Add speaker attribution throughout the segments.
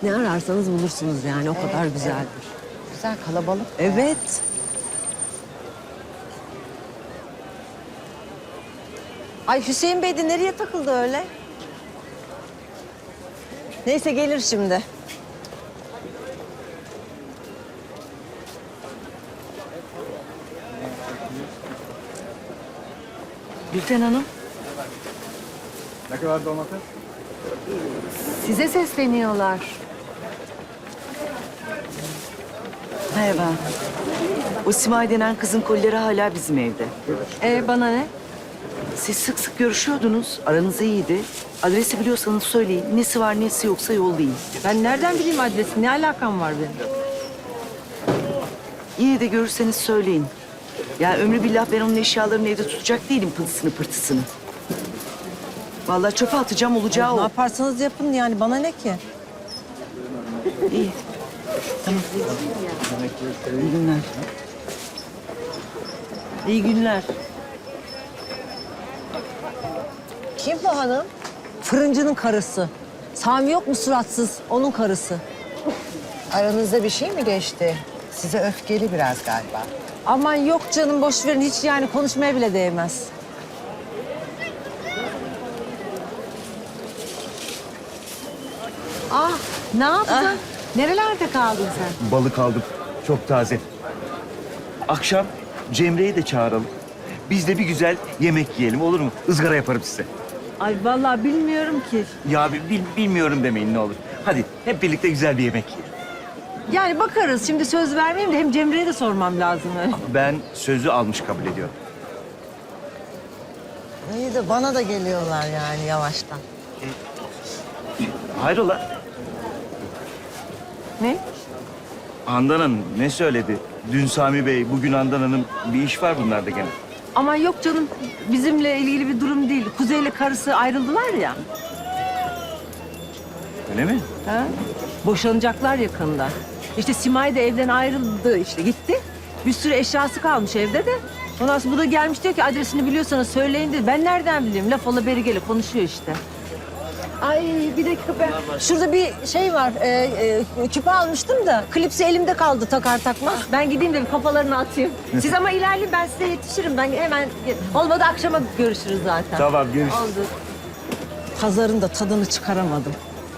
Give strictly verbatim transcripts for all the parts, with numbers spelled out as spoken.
Speaker 1: ne ararsanız bulursunuz yani. O
Speaker 2: Evet,
Speaker 1: kadar güzeldir.
Speaker 2: Evet. Güzel, kalabalık.
Speaker 1: Evet. Ay Hüseyin Bey de nereye takıldı öyle? Neyse gelir şimdi.
Speaker 2: Gülten Hanım,
Speaker 3: Ne kadar domates?
Speaker 2: size sesleniyorlar.
Speaker 4: Merhaba. O Simay denen kızın kolileri hala bizim evde.
Speaker 2: Ee, bana ne?
Speaker 4: Siz sık sık görüşüyordunuz. Aranız iyiydi. Adresi biliyorsanız söyleyin. Nesi var nesi yoksa yollayın.
Speaker 1: Ben nereden bileyim adresi? Ne alakam var benim?
Speaker 4: Yine de görürseniz söyleyin. Ya ömrü billah ben onun eşyalarını evde tutacak değilim pıltısını pırtısını. Vallahi çöpe atacağım olacağı
Speaker 1: Ne
Speaker 4: o.
Speaker 1: yaparsanız yapın yani bana ne ki?
Speaker 4: İyi. Tamam. İyi günler.
Speaker 1: İyi günler. Kim bu hanım? Fırıncının karısı. Sami yok mu suratsız? Onun karısı.
Speaker 2: Aranızda bir şey mi geçti? Size öfkeli biraz galiba.
Speaker 1: Aman yok canım boş verin hiç yani konuşmaya bile değmez.
Speaker 2: Ah, ne yaptın? Nerelerde kaldın sen?
Speaker 5: Balık aldım. Çok taze. Akşam Cemre'yi de çağıralım. Biz de bir güzel yemek yiyelim olur mu? Izgara yaparım size.
Speaker 1: Ay vallahi bilmiyorum ki.
Speaker 5: Ya bi- bil- bilmiyorum demeyin ne olur. Hadi hep birlikte güzel bir yemek yiyelim.
Speaker 1: Yani bakarız şimdi söz vermeyeyim de hem Cemre'ye de sormam lazım.
Speaker 5: Ben sözü almış kabul ediyorum.
Speaker 1: İyi de bana da geliyorlar yani yavaştan.
Speaker 5: Hayrola?
Speaker 1: Ne?
Speaker 5: Handan Hanım ne söyledi? Dün Sami Bey, bugün Handan Hanım bir iş var bunlarda gene.
Speaker 1: Aman yok canım bizimle ilgili bir durum değil. Kuzey'le karısı ayrıldılar ya.
Speaker 5: Öyle mi?
Speaker 1: Ha? Boşanacaklar yakında. İşte Simay da evden ayrıldı işte gitti. Bir sürü eşyası kalmış evde de. Ondan sonra bu da gelmiş diyor ki adresini biliyorsanız söyleyin dedi. Ben nereden bileyim? Laf ola beri gele konuşuyor işte. Ay bir dakika ben. Şurada bir şey var. E, e, küpe almıştım da klipsi elimde kaldı takar takmaz. Ben gideyim de bir kafalarını atayım. Siz ama ilerleyin ben size yetişirim. Ben hemen olmadı akşama görüşürüz zaten.
Speaker 5: Tamam görüşürüz.
Speaker 1: Oldu. Pazarın da tadını çıkaramadım.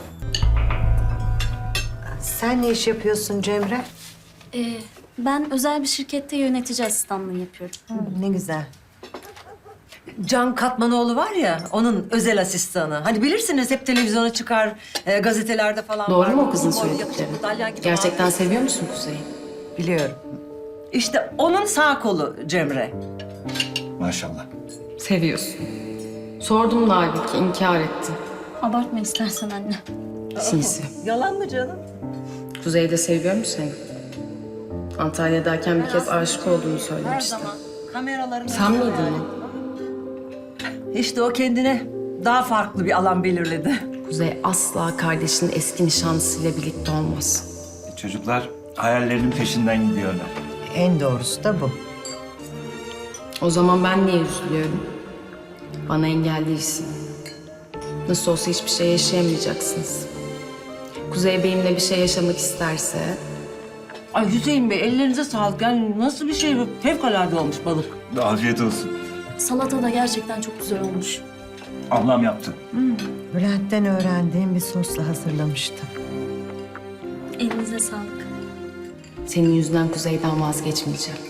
Speaker 2: Sen ne iş yapıyorsun Cemre?
Speaker 6: Ee, ben özel bir şirkette yönetici asistanlığı yapıyorum.
Speaker 2: Ne güzel.
Speaker 1: Can Katmanoğlu var ya, onun özel asistanı. Hani bilirsiniz hep televizyona çıkar, e, gazetelerde falan
Speaker 7: Doğru
Speaker 1: var.
Speaker 7: mu o kızın
Speaker 1: Boylu,
Speaker 7: söyledikleri?
Speaker 1: yakışıklı, dalyan gibi
Speaker 7: Gerçekten
Speaker 1: abi.
Speaker 7: seviyor musun Kuzey'i?
Speaker 2: Biliyorum.
Speaker 1: İşte onun sağ kolu Cemre.
Speaker 5: Maşallah.
Speaker 7: Seviyorsun. Sordum da halbuki inkar etti.
Speaker 6: Abartma istersen anne.
Speaker 7: Sinsi.
Speaker 1: Yalan mı canım?
Speaker 7: Kuzey'i de seviyor mu seni? Antalya'dayken bir kez aşık olduğunu
Speaker 1: Her
Speaker 7: söylemişti.
Speaker 1: zaman kameraların...
Speaker 7: Sen miydin o?
Speaker 1: İşte o kendine daha farklı bir alan belirledi.
Speaker 7: Kuzey asla kardeşinin eski nişanlısıyla birlikte olmaz.
Speaker 5: Çocuklar hayallerinin peşinden gidiyorlar.
Speaker 2: En doğrusu da bu.
Speaker 7: O zaman ben niye üzülüyorum? Bana engel değilsin. Nasıl olsa hiçbir şey yaşayamayacaksınız. Kuzey benimle bir şey yaşamak isterse...
Speaker 1: Ay Hüseyin Bey ellerinize sağlık. Yani nasıl bir şey bu? Fevkalade olmuş balık.
Speaker 5: Afiyet olsun.
Speaker 6: Salata da gerçekten çok güzel olmuş.
Speaker 5: Ablam yaptı.
Speaker 2: Bülent'ten öğrendiğim bir sosla hazırlamıştım.
Speaker 6: Elinize sağlık.
Speaker 7: Senin yüzünden Kuzey'den vazgeçmeyeceğim.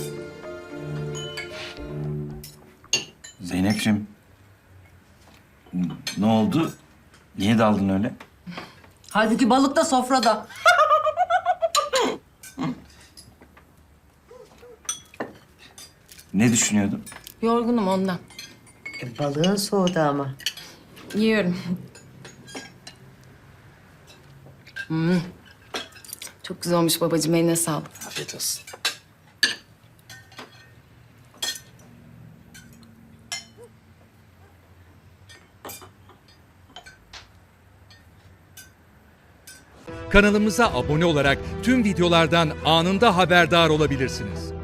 Speaker 5: Zeynep'ciğim. n- Ne oldu? Niye daldın öyle?
Speaker 1: Halbuki balık da sofrada.
Speaker 5: Ne düşünüyordun?
Speaker 7: Yorgunum ondan.
Speaker 2: E, balığın soğudu ama.
Speaker 7: Yiyorum. Hmm. Çok güzel olmuş babacığım, eline sağlık.
Speaker 5: Afiyet olsun.
Speaker 8: Kanalımıza abone olarak tüm videolardan anında haberdar olabilirsiniz.